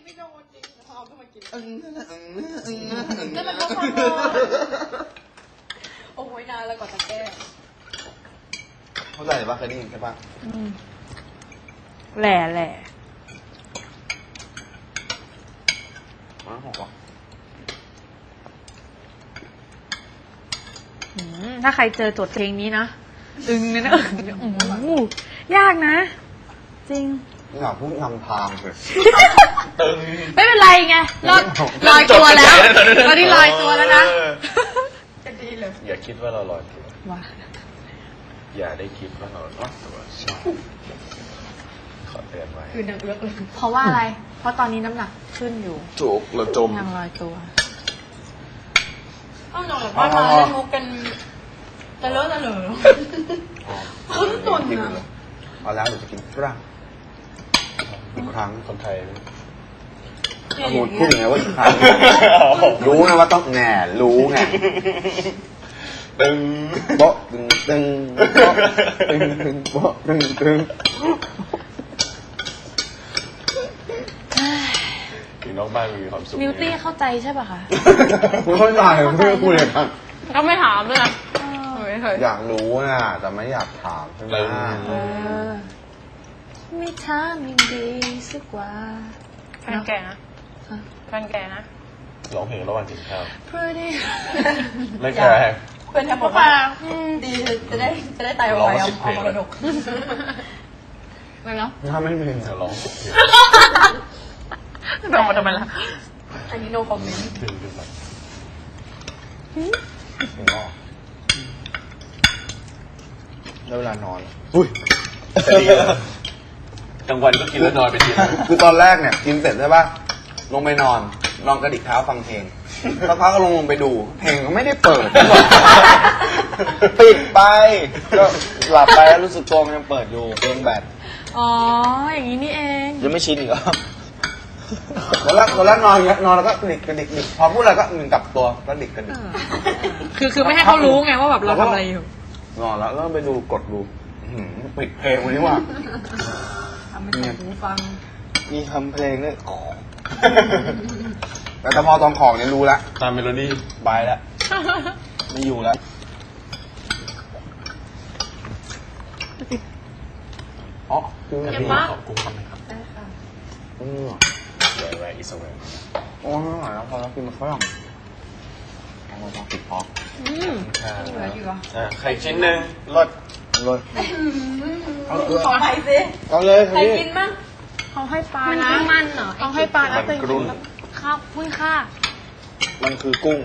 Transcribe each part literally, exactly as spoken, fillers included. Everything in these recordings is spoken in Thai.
ไม่โดนจริงพอเอาขึ้นมากินอึ้งอึ้งอึ้งแล้วมันก็พอโอ้ยนานแล้วกว่าจะแก้เข้าใจปะเคยได้ยินใช่ปะแหล่แหล่มันหอมปะอืมถ้าใครเจอโจทย์เพลงนี้นะอึงเนี่ยนะอึ้งโอ้โหยากนะ จริงนี่อยากพูดนำทางเลยตึงไม่เป็นไรไงลอยลอยตัวแล้วตอนนี้ลอยตัวแล้วนะจะดีเลยอย่าคิดว่าเราลอยตัวว้าอย่าได้คิดว่าเราลอยตัวขอเตือนไว้คือนางเอื้อกเลยเพราะว่าอะไร เพราะตอนนี้น้ำหนักขึ้นอยู่จุกเราจมยังลอยตัวต้องนอนแบบว่ามาเล่นมุกกันจะเลอะจะเหลอคุ้นตุนกินอ่ะเลยเอาแล้วเดี๋ยวจะกินฝรั่งอีกครั้งคนไทยพูดพูดยังไงว่าอีกครั้งรู้นะว่าต้องแหน่รู้ไงตึงโบ๊ะตึงตึงโบ๊ะตึงตึงโบ๊ะตึงตึงถึงนอกบ้านมีความสุขนิวตี้เข้าใจใช่ป่ะคะคุณเข้าใจเพื่อพูดเลยครับก็ไม่ถามด้วยนะไม่เคยอยากรู้นะแต่ไม่อยากถามใช่ไหมเออไม่ถามยังดีสักกว่าแฟนแก่นะแฟนแก่นะร้องเพลงระหว่างกินข้าว Pretty ไม่แคร์เพื่อนแทบบอกว่าดีจะได้จะได้ตายเอาไปเอาเอามรดกไม่เนาะถ้าไม่มีจะร้องสุดเพลงไปออกมาทำไมล่ะอันนี้ no comment ดึงดึงมาถึงออกแล้วเวลานอนอุ้ยแต่ดีนะกลางวันก็กินแล้วนอนไปทีนึงคือตอนแรกเนี่ยกินเสร็จใช่ป่ะลงไปนอนลองกระดิกเท้าฟังเพลงสักพักก็ลงลงไปดู เพลงก็ไม่ได้เปิด ปิดไปก็หลับไปแล้วรู้สึกตัวมันยังเปิดอยู่เพลงแบตอ๋อ อย่างนี้นี่เองยังไม่ชินอีกเหรอวันแรกวันแรกนอนอย่างเงี้ยนอนแล้วก็กระดิกกระดิกกระดิกพอพูดอะไรก็หนึ่งกลับตัวกระดิกกระดิกคือคือไม่ให้เขารู้ไงว่าแบบเราทำอะไรอยู่นอนแล้วก็ไปดูกดดูอื้อหือปิดเพลงวันนี้ว่ะทำให้หูฟังมีทำเพลงด้วยแต่ถ้าพอตอนของเนี่ยรู้แล้วตามเมโลดี้บายแล้วไม่อยู่แล้วอ๋อคือแต่ไม่พี่รู้ขอบกุ้งทำไหมครับได้ค่ะอืมเดี๋ยวไว้อีสเวนโอ้ยไม่ไหวแล้วพอแล้วกินมันฝรั่งเอามาปิดพออืมเหลืออยู่เหรออ่าไข่ชิ้นหนึ่งรสเลยเอาเลยขอไปสิเอาเลยใครกินมั้งเขาให้ปลามันนะคือมันเหรอเขาให้ปลานะมันเป็นกรุ้นข้าวพุ้ยค่ามันคือกุ้ง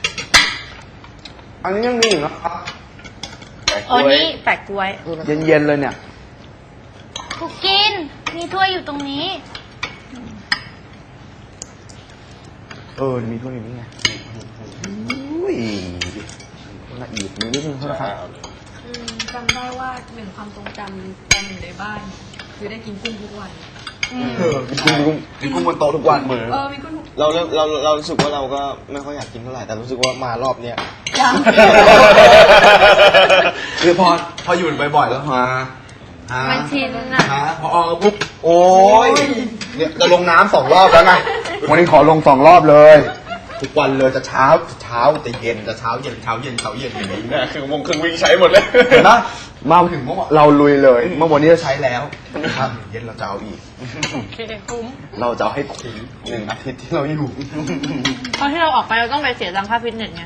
อันนี้ยังมีอยู่นะครับอ๋อนี่แปะกล้วยเย็นๆเลยเนี่ยคุกกิน มีถ้วยอยู่ตรงนี้เออ มีถ้วยอยู่นี่ไงอุ้ยละเอียดนิดนึงเท่านั้นครับจำได้ว่าหนึ่งความทรงจำตอนอยู่ในบ้านคือได้กินกุ้งทุกวันเออกินกุ้งกินกุ้งบนโต๊ะทุกวันเหมือนเออมีกุ้งทุกเราเริ่มเราเรารู้สึกว่าเราก็ไม่ค่อยอยากกินเท่าไหร่แต่รู้สึกว่ามารอบเนี้ยยังคือพอพออยู่บ่อยๆแล้วมาฮะมันชินอ่ะฮะพออปุ๊บโอ้ยเนี่ยจะลงน้ำสองรอบแล้วไงวันนี้ขอลงสองรอบเลย ทุกวันเลยจะเช้าเช้าจะเย็นจะเช้าเย็นเช้าเย็นเช้าเย็นอย่างนี้เนี่ยคือวงครึ่งวิ่งใช้หมดเลยเห็นปะมาถึงเมื่อวานเราลุยเลย เมื่อวันนี้จะใช้แล้วครับเย็นเราจะเอาอีกโอเคคุ้มเราจะเอาให้คุ้มหนึ่งอาทิตย์ที่เราอยู่ตอนที่เราออกไปเราต้องไปเสียตังค่าฟิตเนสไง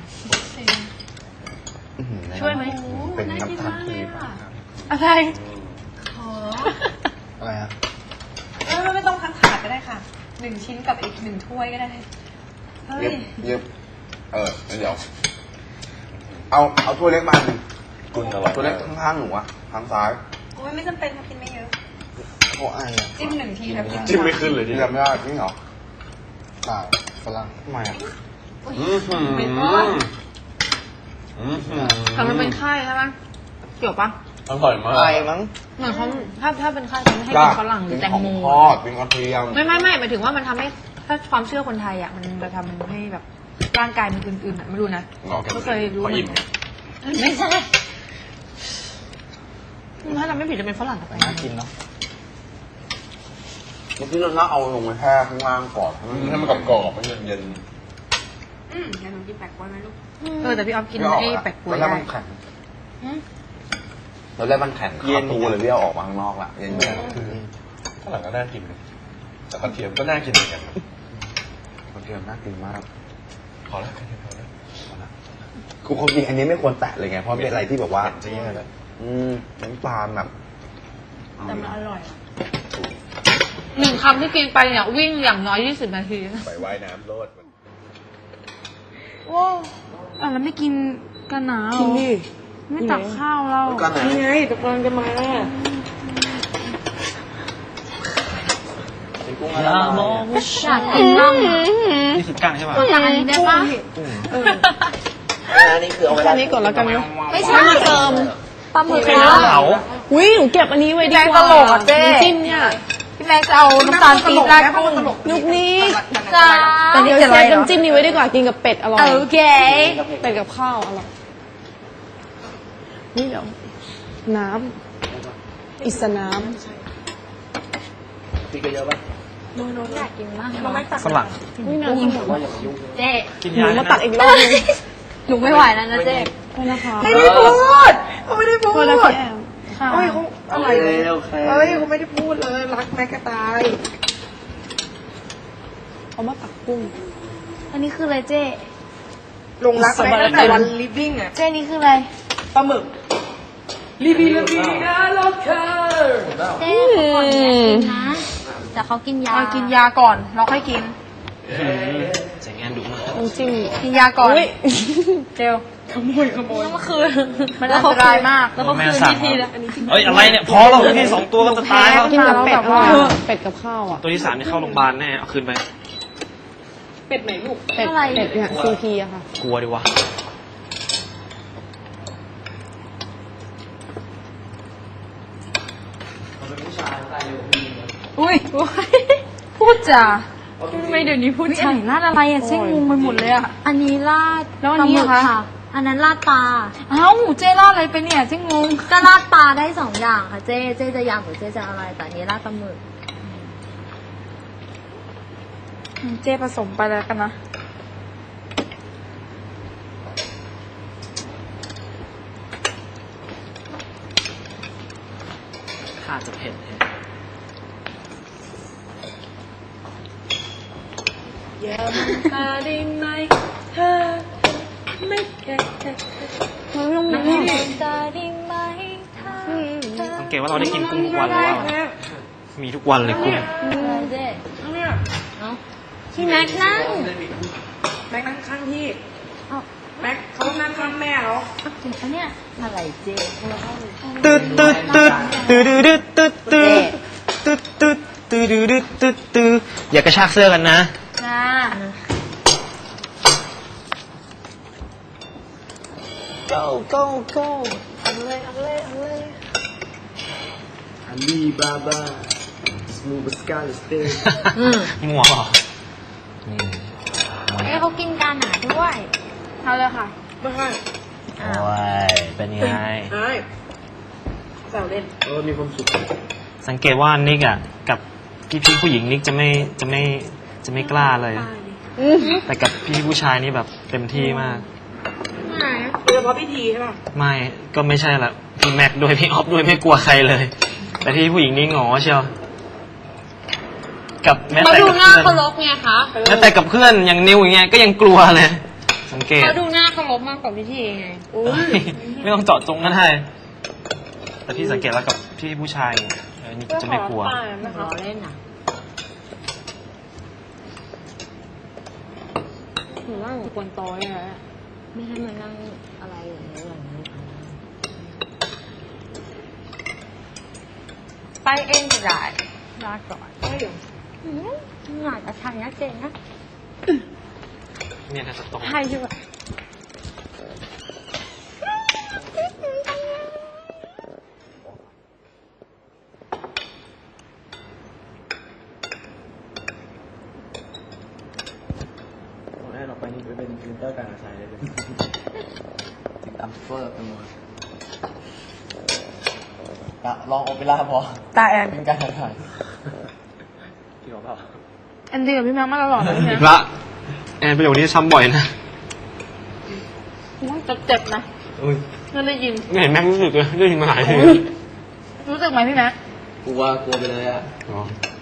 ช่วยไหมเป็นน้ำตาลทีมากอะไรขออะไรฮะเออไม่ต้องทั้งถาดก็ได้ค่ะหนึ่งชิ้นกับอีกหนึ่งถ้วยก็ได้เฮ้เย็ยบเย็บเออเดี๋ยว เอาเอาถ้วยเล็กมาหนึ่งกุ้งอร่อยตัวเล็กข้างๆหนูอะทางซ้ายโอ้ยไม่จำเป็นค่ะกินไม่เยอะโอ้ไอ้อะจิ้มหนึ่งทีแล้วกินจิ้มไม่ขึ้นเลยนี่ที่จำไม่ได้จริงเหรอเปล่าฝรั่งทำไมอะอืมหืมเป็นก้อนอืมหืมแต่มันเป็นไข้ใช่ไหมเกี่ยวปะอร่อยมากไอ้มั้งเหมือนเขาถ้าถ้าเป็นไข้เขาไม่ให้กินฝรั่งหรือแตงโมเป็นของทอดเป็นกระเทียมไม่ไม่ไม่หมายถึงว่ามันทำให้ถ้าความเชื่อคนไทยอ่ะมันจะทำให้แบบร่างกายมันอื่นๆอ่ะไม่รู้นะอ๋อก็เคยรู้พออิ่มไม่ใช่ถ้าเราไม่ผิดจะเป็นฝรั่งกับอะไรน่ากินเนาะมื่อกี้เราเอาลงมาแช่ข้างล่างก่อนให้มันกรอบๆให้มันเย็นอืมเดี๋ยวหนูกินแปลกกล้วยไหมลูกเออแต่พี่ออฟกินไอ้แปลกกล้วยแล้วได้มันแข็งแล้วแรกมันแข็งคาตูเลยพี่เอาออกมาข้างนอกละเย็นข้างหลังก็น่ากินเลยแต่กระเทียมก็น่ากินเหมือนกันๆกระเทียมน่ากินมากพอแล้วกระเทียมพอแล้วคือความจริงอันนี้ไม่ควรแตะเลยไงเพราะเป็นอะไรที่แบบว่าจะแย่เลยอืมน้ำตาลแบบแต่มันอร่อยหนึ่งคำที่กินไปเนี่ยวิ่งอย่างน้อยยี่สิบนาทีไปว่ายน้ำโลดมันโอ้อ่ะแล้วไม่กินกันหนาวกินดิไม่ตักข้าวเราก็ไหนนี่ไงตะกอนจะมาเป็นกุ้งอะไรอยากกินบ้างอ่ะนี่คือกั้งใช่ป่ะอยากอันนี้ได้ปะอันนี้คือเอาไว้อันนี้ก่อนแล้วกันเนาะไม่ใช่เติมปลาหมึกเผาอุ้ยหนูเก็บอันนี้ไว้ดีกว่าตลกอ่ะเจ๊น้ำจิ้มเนี่ยพี่แม็กจะเอาน้ำตาลปี๊บราดกุ้งนุกนี้จ้าแต่นี่เดี๋ยวจะอะไรใช้เหรอน้ำจิ้มนี้ไว้ดีกว่ากินกับเป็ดอร่อยโอเคเป็ดกับข้าวอร่อยนี่เดี๋ยวน้ำอิสน้อยากกินมากฝรั่งำนี่น้ำเจ๊กินหนูยามาตักอีกรอบนึงหนูไม่ไหวแล้วนะเจ๊โทษนะคะไม่ได้พูดเขาไม่ได้พูโทดษนะคะแอมเฮ้ยเขาอะไรเฮ้ยเขาไม่ได้พูดเลยรักแม็กกระตายเอามาตักกุ้งอันนี้คืออะไรเจ๊ลงรักแม็กตั้งแต่วันลิฟวิ่งอ่ะเจ๊นี่คืออะไรปลาหมึกลิฟวิ่งลิฟวิ่งนะล็อกเกอร์เจ๊เขาก่อนอยากกินนะแต่เขากินยาเอากินยาก่อนเราค่อยกินใส่งานดุมากน้ำจิ้มกินยาก่อนอุ๊ยเร็วเมื่อคืนมันอันตรายมากแล้วก็คืนที่ทีละเฮ้ยอะไรเนี่ยพอแล้วพี่สองตัวก็จะตายแล้วกินกับเป็ดแบบอร่ว่าอยเป็ดกับข้าวอ่ะตัวที่สามนี่เข้าโรงพยาบาลแน่เอาคืนไปเป็ดอะไรเป็ดเนี่ยซีพีอะค่ะกลัวดิวะอุ้ยพูดจาทำไมเดี๋ยวนี้พูดอัจานนี้ราดอะไรอ่ะเจ๊งงไปหมดเลยอ่ะ อันนี้ราดแล้วอันนี้ปลาหมึกคะค่ะ อันนั้นราดปลาเอ้าเจ๊ล่าดอะไรไปเนี่ยเจ๊งงก็ราดปลาได้สองอย่างค่ะเจ๊เจ๊จะยำหรือเจ๊จะอะไร แต่อันนี้ราดปลาหมึกเจ๊ผสมไปแล้วกันนะข้าจะเผ็ดอย่ามาตาได้ไหมเธอไม่แค่เฮ้ยลงน้ำมาหอมตาได้ไหมถ้าเธอสังเกตว่าเราได้กินกุ้งทุกวันแล้วว่ามีทุกวันเลยกุ้งอะไรเจ๊เนี่ยเอ้าที่แม็กนั่งแม็กนั่งข้างพี่เอ้าแม็กเขานั่งข้างแม่แล้วจริงปะเนี่ยอะไรเจ๊ตึ๊ดตึ๊ดตึ๊ดตึ๊ดตึ๊ดตึ๊ดตึ๊ดตึ๊ดตึ๊ดตึ๊ดตึ๊ดตึ๊ดตึ๊ดอย่ากระชากเสื้อกันนะจ้า go go go เอาเลยเอาเลยเอาเลยอาลีบาบาสมูบสกาลสเตย์งัวเหรอนี่เอ้ยเขากินกันหนาด้วยเอาเลยค่ะไม่ให้โอ้ยเป็นไงไอ้แซวเล่นเออมีความสุขสังเกตว่านิกอ่ะกับพี่พี่ผู้หญิงนิกจะไม่จะไม่จะไม่กล้าเลย แต่กับพี่ผู้ชายนี่แบบเต็มที่มากไหนโดยเฉพาะพิธีใช่ป่ะไม่ก็ไม่ใช่ละพี่แม็กด้วยพี่ออฟด้วยไม่กลัวใครเลย แต่พี่ผู้หญิงนี่หงอเชียวกับแม้เขาแต่ดูกับหน้าเพื่อนเคารพไงคะแม้แต่กับเพื่อนอย่างนิวอย่างเงี้ยก็ยังกลัวเลย สังเกตเขาดูหน้าเคารพมากกว่าพิธีไงโอ้ยไม่ต้องเจาะจงก็ได้แต่พี่สังเกตแล้วกับพี่ผู้ชายเออนี่จะไม่กลัวรอเล่นอ่ะหนูว่าหนูควรโตอยนะไม่ให้มานั่งอะไรอย่างนี้อย่างนี้ไปเองก็ได้ลาก่อนอืมหน่อยแต่ทางนะเจนนะเนี่ยถ้าจะตรงใช่ใช่ปะตอนแรกเราไปนี่ไปเป็นพรีเซนเตอร์การอาชัยเลยติดตามเฟอร์เป็นหมดลองโอเปร่าพอตาแอนเป็นการถ่ายแอนดี้กับพี่แม็กมาตลอดเลยอีนะกละแอนประโยคนี้ช้ำบ่อยนะเจ็บๆนะอุ้ยไม่ได้ยินไม่เห็นแม็กรู้สึกเลยได้ยินมาหลายทีรู้สึกไหมพี่แม็กกลัวกลัวไปเลยอ่ะอ๋อ